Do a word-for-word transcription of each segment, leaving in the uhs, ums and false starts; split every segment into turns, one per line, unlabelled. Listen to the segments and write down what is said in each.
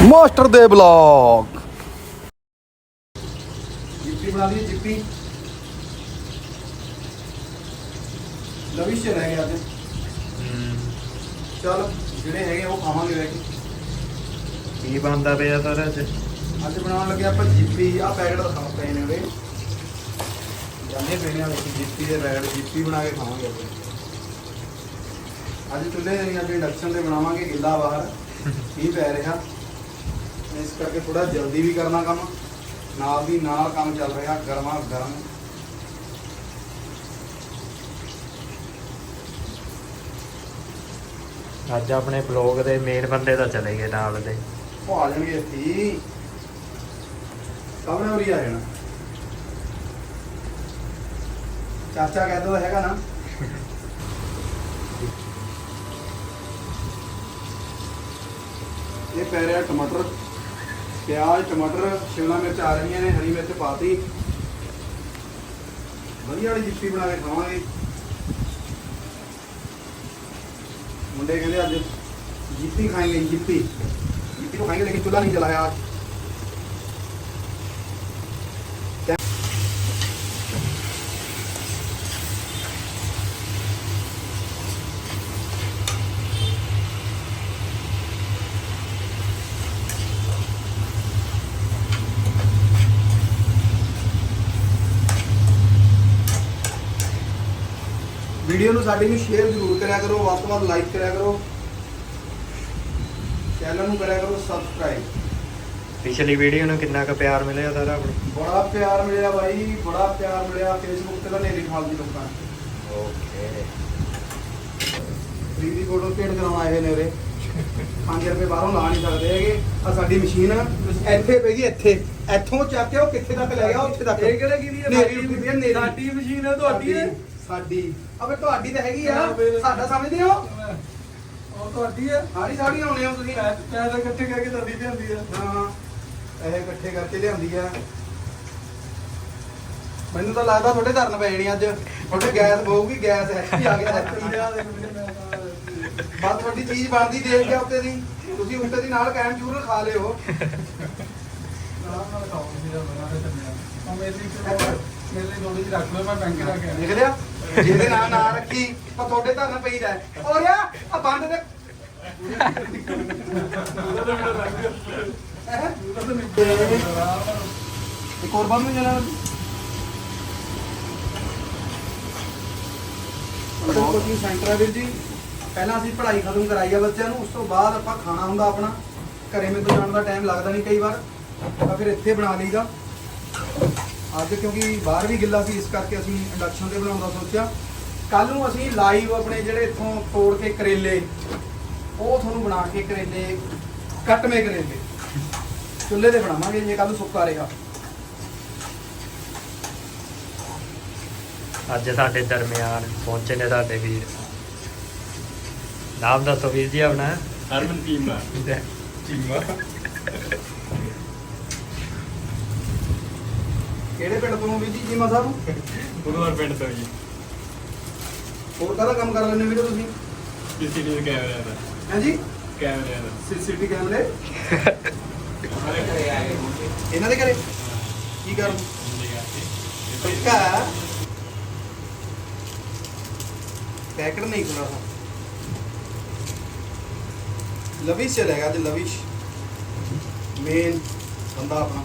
Master ਦੇ blog.
ਜਿੱਪੀ ਬਣਾ ਲਈ ਜਿੱਪੀ ਲਵਿਸ਼ ਰਹਿ ਗਿਆ ਅੱਜ। ਚਲ ਜਿਹੜੇ ਹੈਗੇ ਉਹ ਖਾਵਾਂਗੇ ਬੈ ਕੇ।
ਕੀ ਬਣਦਾ ਪਿਆ ਸਰ ਅੱਜ?
ਅੱਜ ਬਣਾਉਣ ਲੱਗੇ ਆਪਾਂ ਜਿੱਪੀ। ਆ ਪੈਕਟ ਦਿਖਾ ਪਏ ਨੇ ਉਹਦੇ ਜਾਂਦੇ ਪਏ ਨੇ ਆ ਦੇਖੀ ਜਿੱਪੀ ਦੇ ਪੈਕਟ। ਜਿੱਪੀ ਬਣਾ ਕੇ ਖਾਵਾਂਗੇ ਆਪਾਂ ਅੱਜ। ਚੁੱਲ੍ਹੇ ਨਹੀਂ ਅੱਜ ਇੰਡਕਸ਼ਨ ਤੇ ਬਣਾਵਾਂਗੇ। ਗਿੱਲਾ ਬਾਹਰ ਮੀਂਹ ਪੈ ਰਿਹਾ ਇਸ ਕਰਕੇ ਥੋੜਾ ਜਲਦੀ ਵੀ ਕਰਨਾ ਕੰਮ, ਨਾਲ ਦੀ ਨਾਲ ਕੰਮ ਚੱਲ ਰਿਹਾ ਗਰਮਾ ਗਰਮ।
ਅੱਜ ਆਪਣੇ ਬਲੌਗ ਦੇ ਮੇਨ ਬੰਦੇ ਤਾਂ ਚਲੇ ਗਏ ਨਾਲ ਦੇ।
ਉਹ ਆ ਜਾਣਗੇ ਇੱਥੇ ਹੀ, ਸਭ ਨੇ ਉਰੀ ਆ ਜਾਣਾ। ਚਾਚਾ ਕਹਿੰਦਾ ਤਾਂ ਹੈਗਾ ਨਾ। ਇਹ ਪੈ ਰਿਹਾ ਟਮਾਟਰ, ਪਿਆਜ਼, ਟਮਾਟਰ, ਸ਼ਿਮਲਾ ਮਿਰਚ ਆ ਰਹੀਆਂ ਨੇ, ਹਰੀ ਮਿਰਚ ਪਾਤੀ। ਵਧੀਆ ਵਾਲੀ ਜਿੱਪੀ ਬਣਾ ਕੇ ਖਾਵਾਂਗੇ। मुंडे कहते आज जिप्पी खाएंगे। जिप्पी जिप्पी तो खाएंगे लेकिन चूल्हा नहीं जलाया आज। वीडियो ਨੂੰ ਸਾਡੀ ਨੂੰ ਸ਼ੇਅਰ ਜ਼ਰੂਰ ਕਰਿਆ ਕਰੋ, ਵੱਧ ਤੋਂ ਵੱਧ ਲਾਈਕ ਕਰਿਆ ਕਰੋ, ਚੈਨਲ ਨੂੰ ਕਰਿਆ ਕਰੋ ਸਬਸਕ੍ਰਾਈਬ।
ਪਿਛਲੀ ਵੀਡੀਓ ਨੂੰ ਕਿੰਨਾ ਕੁ ਪਿਆਰ ਮਿਲਿਆ ਸਾਰਾ ਆਪਣਾ?
ਬੜਾ ਪਿਆਰ ਮਿਲਿਆ ਬਾਈ, ਬੜਾ ਪਿਆਰ ਮਿਲਿਆ। ਫੇਸਬੁੱਕ ਤੇ ਤਾਂ ਨੇਰੀ ਖਾਲਦੀ ਲੋਕਾਂ ਨੇ।
ਓਕੇ
ਫ੍ਰੀ ਦੀ ਫੋਟੋ ਭੇਟ ਕਰਾਉਣ ਆਏ ਹੋਏ ਨੇ ਉਰੇ। ਪੰਜ ਰੁਪਏ ਬਾਹਰੋਂ ਲਾ ਨਹੀਂ ਸਕਦੇ ਹੈਗੇ। ਆ ਸਾਡੀ ਮਸ਼ੀਨ ਇੱਥੇ ਪਈ ਜੀ, ਇੱਥੇ ਇੱਥੋਂ ਚੱਕ ਕੇ ਉਹ ਕਿੱਥੇ ਤੱਕ ਲੈ ਗਿਆ, ਉੱਥੇ ਤੱਕ। ਇਹ ਕਿਹੜੇ ਕੀ
ਸਾਡੀ ਮਸ਼ੀਨ ਹੈ ਤੁਹਾਡੀ ਹੈ?
ਸਾਡੀ ਅਬੇ ਤੁਹਾਡੀ ਤਾਂ ਹੈਗੀ ਆ, ਸਾਡਾ ਸਮਝਦੇ ਹੋ?
ਉਹ ਤੁਹਾਡੀ ਹੈ?
ਸਾਰੀ ਸਾੜੀ ਆਉਣੇ ਹੋ ਤੁਸੀਂ।
ਪੈਸੇ ਇਕੱਠੇ ਕਰਕੇ ਤੁਹਾਡੀ ਲਿਆਂਦੀ ਹੈ।
ਹਾਂ ਇਹ ਇਕੱਠੇ ਕਰਕੇ ਲਿਆਂਦੀ ਆ। ਮੈਨੂੰ ਤਾਂ ਲੱਗਦਾ ਤੁਹਾਡੇ ਧਰਨ ਪੈ ਜਾਣੀ ਅੱਜ। ਤੁਹਾਡੇ ਗੈਸ ਬਹੁਗੀ, ਗੈਸ ਐਸੀ ਆ ਗਿਆ। ਬਸ ਤੁਹਾਡੀ ਚੀਜ਼ ਬਣਦੀ ਦੇਖ ਗਿਆ ਉੱਤੇ ਦੀ, ਤੁਸੀਂ ਉੱਤੇ ਦੀ ਨਾਲ ਕੈਮ ਜ਼ਰੂਰ ਖਾ ਲਿਓ।
ਮੇਰੇ ਲਈ ਥੋੜੀ ਜਿਹੀ ਰੱਖ ਲਓ, ਮੈਂ ਬੈਂਕ ਰੱਖ ਕੇ
ਲਿਖ ਲਿਆ ਜਿਹਦੇ ਨਾਂ ਨਾ ਰੱਖੀ ਪਰ ਤੁਹਾਡੇ ਧਰਨ ਪਈਦਾ। ਔਰ ਯਾ ਆ ਬੰਦ ਦੇ ਇੱਕ ਹੋਰ ਬੰਦ ਨੂੰ ਜਾਣਾ। ਕੋਚਿੰਗ ਸੈਂਟਰ ਹੈ ਵੀਰ ਜੀ। ਪਹਿਲਾਂ ਅਸੀਂ ਪੜ੍ਹਾਈ ਖਤਮ ਕਰਾਈ ਆ ਬੱਚਿਆਂ ਨੂੰ, ਉਸ ਤੋਂ ਬਾਅਦ ਆਪਾਂ ਖਾਣਾ ਹੁੰਦਾ ਆਪਣਾ। ਘਰੇ ਮੇਰੇ ਤੋਂ ਜਾਣ ਦਾ ਟਾਈਮ ਲੱਗਦਾ ਨਹੀਂ ਕਈ ਵਾਰ, ਤਾਂ ਫਿਰ ਇੱਥੇ ਬਣਾ ਲਈਦਾ। ਅੱਜ ਕਿਉਂਕਿ ਬਾਹਰ ਵੀ ਗਿੱਲਾ ਸੀ ਇਸ ਕਰਕੇ ਅਸੀਂ ਇੰਡਕਸ਼ਨ ਤੇ ਬਣਾਉਣ ਦਾ ਸੋਚਿਆ। ਕੱਲ ਨੂੰ ਅਸੀਂ ਲਾਈਵ ਆਪਣੇ ਜਿਹੜੇ ਇੱਥੋਂ ਤੋੜ ਕੇ ਕਰੇਲੇ, ਉਹ ਤੁਹਾਨੂੰ ਬਣਾ ਕੇ ਕਰੇਲੇ, ਕੱਟਵੇਂ ਕਰੇਲੇ ਚੁੱਲ੍ਹੇ ਤੇ ਬਣਾਵਾਂਗੇ ਜੇ ਕੱਲ ਨੂੰ ਸੁੱਕਾ ਰਹੇਗਾ।
ਅੱਜ ਸਾਡੇ ਦਰਮਿਆਨ ਪਹੁੰਚੇ ਨੇ ਸਾਡੇ ਵੀਰ। ਨਾਮ ਦੱਸੋ ਵੀਰ ਜੀ ਆਪਣਾ?
ਹਰਮਨ ਚੀਮਾ। ਚੀਮਾ
ਕਿਹੜੇ ਪਿੰਡ ਤੋਂ ਵੀਰ ਜੀ? ਚੀਮਾ ਸਾਹਿਬ
ਗੁਰੂਵਾਰ ਪਿੰਡ ਤੋਂ ਜੀ।
ਹੋਰ ਕਾਹਦਾ ਕੰਮ ਕਰ ਲੈਂਦੇ ਵੀਰੇ ਤੁਸੀਂ?
ਸੀਸੀਟੀਵੀ ਕੈਮਰਿਆਂ ਦਾ।
ਹਾਂਜੀ
ਕੈਮਰਿਆਂ ਦਾ।
ਸੀਸੀਟੀਵੀ ਕੈਮਰੇ
ਸਾਰੇ ਘਰੇ ਆਏ ਹੋਣਗੇ।
ਇਹਨਾਂ ਦੇ ਘਰੇ ਕੀ ਕਰਨ? ਪੱਕਾ ਪੈਕਟ ਨਹੀਂ ਖੁੱਲਾ था। ਲਵਿਸ਼ ਚਲੇਗਾ ਅੱਜ। ਲਵਿਸ਼ ਮੇਨ ਬੰਦਾ ਆਪਣਾ।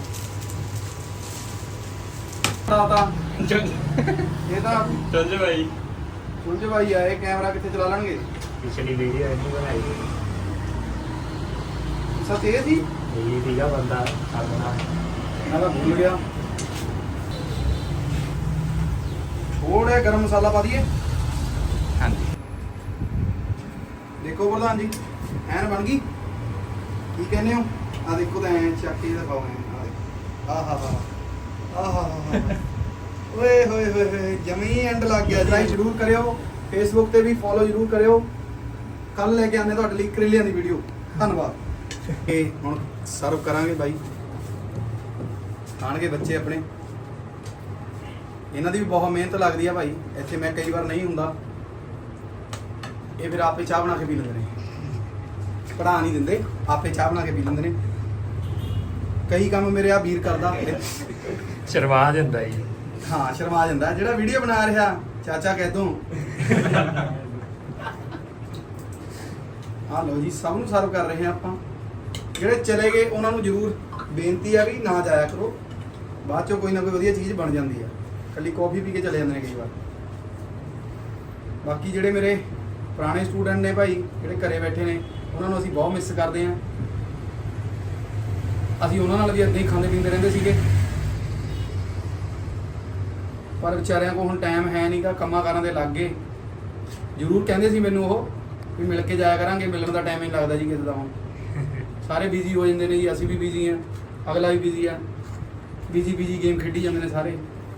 ਤਾਂ ਇਹ ਤਾਂ
ਚੱਲ ਭਾਈ
ਸੁਲਝ ਭਾਈ ਆਏ, ਕੈਮਰਾ ਕਿੱਥੇ ਚਲਾ ਲੈਣਗੇ?
ਪਿਛਲੀ ਵੀਡੀਓ ਇਹਨੂੰ ਬਣਾਈ ਸੀ।
ਸੱਚ ਇਹ ਸੀ,
ਇਹ ਸੀਗਾ ਬੰਦਾ ਆਪਣਾ।
ਮੈਂ ਤਾਂ ਭੁੱਲ ਗਿਆ। ਥੋੜਾ ਗਰਮ ਮਸਾਲਾ ਪਾ ਦਈਏ।
ਹਾਂਜੀ
ਦੇਖੋ ਪ੍ਰਧਾਨ ਜੀ ਐਨ ਬਣ ਗਈ। ਕੀ ਕਹਿੰਦੇ ਹੋ? ਆ ਦੇਖੋ ਤਾਂ ਐਨ ਚੱਕ ਕੇ ਦਿਖਾਓ। ਐਨ ਆ ਹਾ ਹਾ ਆ ਹਾ ਹਾ ਓਏ ਹੋਏ ਹੋਏ ਹੋਏ ਜਮੀ ਐਂਡ ਲੱਗ ਗਿਆ। ਲਾਈਕ ਜ਼ਰੂਰ ਕਰਿਓ, ਫੇਸਬੁੱਕ ਤੇ ਵੀ ਫੋਲੋ ਜ਼ਰੂਰ ਕਰਿਓ। ਕੱਲ ਲੈ ਕੇ ਆਉਂਦੇ ਤੁਹਾਡੇ ਲਈ ਕਰੇਲਿਆਂ ਦੀ ਵੀਡੀਓ। ਧੰਨਵਾਦ। ਇਹ ਹੁਣ ਸਰਵ ਕਰਾਂਗੇ ਬਾਈ, ਖਾਣਗੇ ਬੱਚੇ ਆਪਣੇ। ਇਹਨਾਂ ਦੀ ਵੀ ਬਹੁਤ ਮਿਹਨਤ ਲੱਗਦੀ ਆ ਭਾਈ। ਇੱਥੇ ਮੈਂ ਕਈ ਵਾਰ ਨਹੀਂ ਹੁੰਦਾ, ਇਹ ਫਿਰ ਆਪੇ ਚਾਹ ਬਣਾ ਕੇ ਪੀ ਲੈਂਦੇ ਨੇ। ਪੜਾ ਨਹੀਂ ਦਿੰਦੇ, ਆਪੇ ਚਾਹ ਬਣਾ ਕੇ ਪੀ ਲੈਂਦੇ ਨੇ। ਕਈ ਕੰਮ ਮੇਰੇ ਆ ਵੀਰ ਕਰਦਾ।
ਸ਼ਰਮਾ ਜਾਂਦਾ ਜੀ।
ਹਾਂ ਸ਼ਰਮਾ ਜਾਂਦਾ ਜਿਹੜਾ ਵੀਡੀਓ ਬਣਾ ਰਿਹਾ ਚਾਚਾ ਕਹਿ ਦੋ। ਆ ਲਓ ਜੀ ਸਭ ਨੂੰ ਸਰਵ ਕਰ ਰਹੇ ਹਾਂ ਆਪਾਂ। ਜਿਹੜੇ ਚਲੇ ਗਏ ਉਹਨਾਂ ਨੂੰ ਜ਼ਰੂਰ ਬੇਨਤੀ ਆ ਵੀ ਨਾ ਜਾਇਆ ਕਰੋ, ਬਾਅਦ ਚੋਂ ਕੋਈ ਨਾ ਕੋਈ ਵਧੀਆ ਚੀਜ਼ ਬਣ ਜਾਂਦੀ ਆ, ਕੱਲੀ ਕੌਫੀ ਪੀ ਕੇ ਚਲੇ ਜਾਂਦੇ ਨੇ ਕਈ ਵਾਰ। ਬਾਕੀ ਜਿਹੜੇ ਮੇਰੇ ਪੁਰਾਣੇ ਸਟੂਡੈਂਟ ਨੇ ਭਾਈ ਜਿਹੜੇ ਘਰੇ ਬੈਠੇ ਨੇ ਉਹਨਾਂ ਨੂੰ ਅਸੀਂ ਬਹੁਤ ਮਿਸ ਕਰਦੇ ਹਾਂ। ਅਸੀਂ ਉਹਨਾਂ ਨਾਲ ਵੀ ਇੱਦਾਂ ਹੀ ਖਾਂਦੇ ਪੀਂਦੇ ਰਹਿੰਦੇ ਸੀਗੇ, ਪਰ ਵਿਚਾਰਿਆਂ ਕੋਲ ਹੁਣ ਟਾਈਮ ਹੈ ਨਹੀਂਗਾ, ਕੰਮਾਂ ਕਾਰਾਂ ਦੇ ਲੱਗ ਗਏ। ਜ਼ਰੂਰ ਕਹਿੰਦੇ ਸੀ ਮੈਨੂੰ ਉਹ ਵੀ ਮਿਲ ਕੇ ਜਾਇਆ ਕਰਾਂਗੇ, ਮਿਲਣ ਦਾ ਟਾਈਮ ਹੀ ਨਹੀਂ ਲੱਗਦਾ ਜੀ ਕਿਸੇ ਦਾ। ਹੁਣ ਸਾਰੇ ਬਿਜ਼ੀ ਹੋ ਜਾਂਦੇ ਨੇ ਜੀ, ਅਸੀਂ ਵੀ ਬਿਜ਼ੀ ਹਾਂ, ਅਗਲਾ ਵੀ ਬਿਜ਼ੀ ਆ, ਬਿਜ਼ੀ ਬਿਜ਼ੀ ਗੇਮ ਖੇਡੀ ਜਾਂਦੇ ਨੇ ਸਾਰੇ।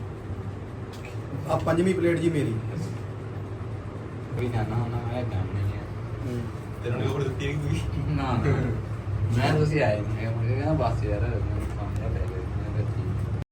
ਆ ਪੰਜਵੀਂ ਪਲੇਟ ਜੀ ਮੇਰੀ।
ਕੋਈ ਖਾਣਾ ਹੋਣਾ ਹੈ ਕੰਮ ਨਹੀਂ ਹੈ
ਤੈਨੂੰ ਹੋਰ ਦਿੱਤੀ ਨਹੀਂ ਕੋਈ
ਨਾ ਨਾ ਮੈਂ ਤੁਸੀਂ ਆਏ ਨਹੀਂ ਮੈਂ ਕਹਿੰਦਾ ਬਸ ਯਾਰ